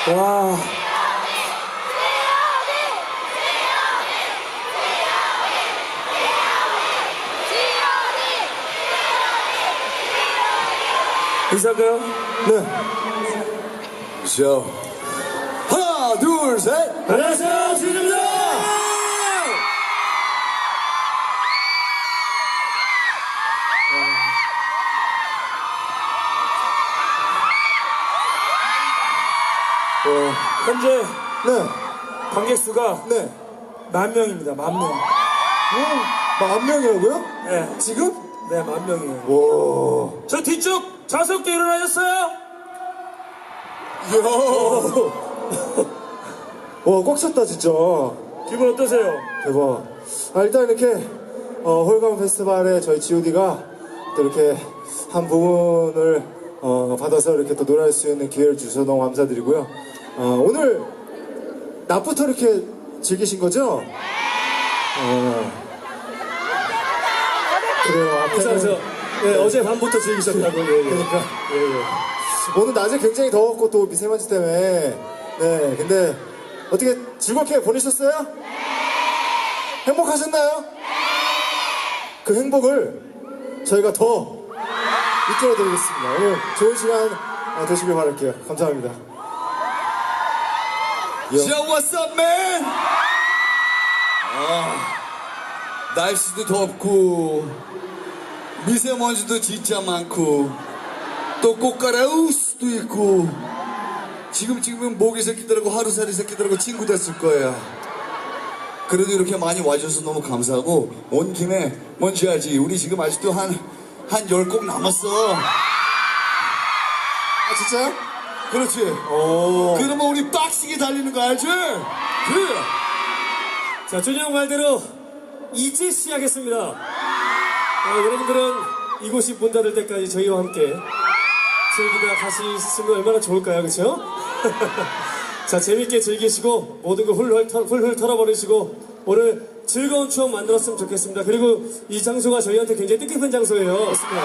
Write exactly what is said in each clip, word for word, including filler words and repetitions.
와. 인사할까요? 네. 자, 하나, 둘, 셋. 안녕하세요, 지우입니다. 어, 현재 네. 관객 수가 네. 만 명입니다. 만 명. 오, 만 명이라고요? 네, 지금? 네, 만 명이에요. 와. 저 뒤쪽 좌석도 일어나셨어요? 이야. 와, 꽉 찼다, 진짜. 기분 어떠세요? 대박. 아, 일단 이렇게, 어, 홀감 페스티벌에 저희 지오디가 또 이렇게 한 부분을, 어, 받아서 이렇게 또 노래할 수 있는 기회를 주셔서 너무 감사드리고요. 어, 오늘, 낮부터 이렇게 즐기신 거죠? 어. 그래요. 그래서 앞에는. 네, 어제 밤부터 즐기셨다고. 예, 예. 그러니까. 예, 예. 오늘 낮에 굉장히 더웠고 또 미세먼지 때문에 네 근데 어떻게 즐겁게 보내셨어요? 행복하셨나요? 그 행복을 저희가 더 이끌어 드리겠습니다. 오늘 좋은 시간 되시길 바랄게요. 감사합니다. Yo, what's up, man? 아, 날씨도 덥고 미세먼지도 진짜 많고 또 꽃가루 수도 있고 지금 지금은 모기 새끼들하고 하루살이 새끼들하고 친구 됐을 거예요. 그래도 이렇게 많이 와주셔서 너무 감사하고 온 김에 뭔지 알지? 우리 지금 아직도 한 한 열 곡 남았어. 아 진짜요? 그렇지. 오. 그러면 우리 빡시게 달리는 거 알지? 그래. 자, 준영 말대로 이제 시작했습니다. 어, 여러분들은 이곳이 문 닫을 때까지 저희와 함께 즐기다 가시면 얼마나 좋을까요, 그렇죠? 자, 재밌게 즐기시고 모든 걸 훌훌, 털, 훌훌 털어버리시고 오늘 즐거운 추억 만들었으면 좋겠습니다. 그리고 이 장소가 저희한테 굉장히 뜻깊은 장소예요. 맞습니다.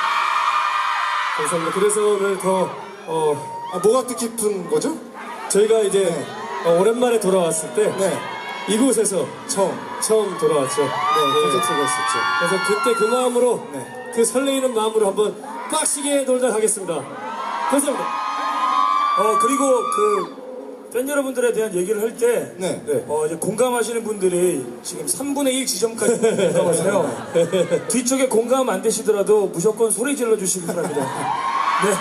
감사합니다. 그래서 오늘 더 어, 아, 뭐가 뜻깊은 거죠? 저희가 이제 네. 어, 오랜만에 돌아왔을 때 네. 이곳에서 처음 처음 돌아왔죠. 네, 콘서트가 있었죠. 그래서 그때 그 마음으로 네. 그 설레이는 마음으로 한번 빡시게 놀다 가겠습니다. 감사합니다. 어 그리고 그 팬 여러분들에 대한 얘기를 할 때 네. 어, 이제 공감하시는 분들이 지금 삼분의 일 지점까지 공감하세요. 뒤쪽에 공감 안 되시더라도 무조건 소리 질러 주시기 바랍니다. 네.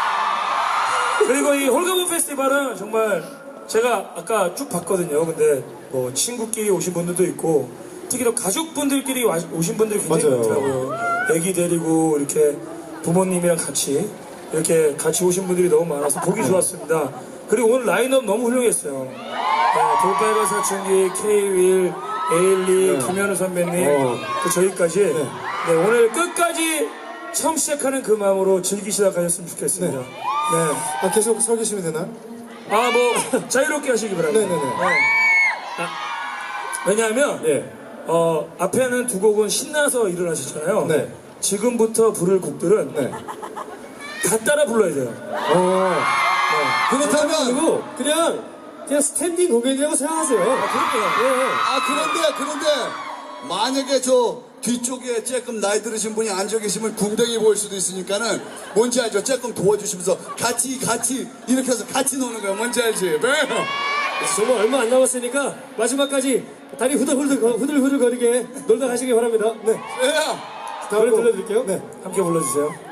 그리고 이 홀가분 페스티벌은 정말 제가 아까 쭉 봤거든요. 근데 뭐 친구끼리 오신 분들도 있고 특히 또 가족분들끼리 와- 오신 분들이 굉장히 맞아요. 많더라고요. 애기 데리고 이렇게 부모님이랑 같이 이렇게 같이 오신 분들이 너무 많아서 보기 좋았습니다. 그리고 오늘 라인업 너무 훌륭했어요. 네, 돌발과 사춘기, K-윌, 에일리, 김현우 선배님, 어. 그 저희까지 네, 오늘 끝까지 처음 시작하는 그 마음으로 즐기시다 가셨으면 좋겠습니다. 네. 네. 아 계속 서 계시면 되나요? 아, 뭐, 자유롭게 하시기 바랍니다. 네네네. 아, 왜냐하면, 네. 어, 앞에는 두 곡은 신나서 일을 하셨잖아요. 네. 지금부터 부를 곡들은 네. 다 따라 불러야 돼요. 어. 그렇다면 그리고 그냥, 그냥 스탠딩 공연이라고 생각하세요. 아, 그럴게요. 아 그런데 그런데 만약에 저 뒤쪽에 조금 나이 들으신 분이 앉아 계시면 궁뎅이 보일 수도 있으니까는 뭔지 알죠? 조금 도와주시면서 같이 같이 이렇게 해서 같이 노는 거야. 뭔지 알지? 네. 그래서 정말 얼마 안 남았으니까 마지막까지 다리 후들후들, 후들후들 거리게 놀다 가시기 바랍니다. 네. 예. 노래 들려드릴게요. 네. 함께 불러주세요.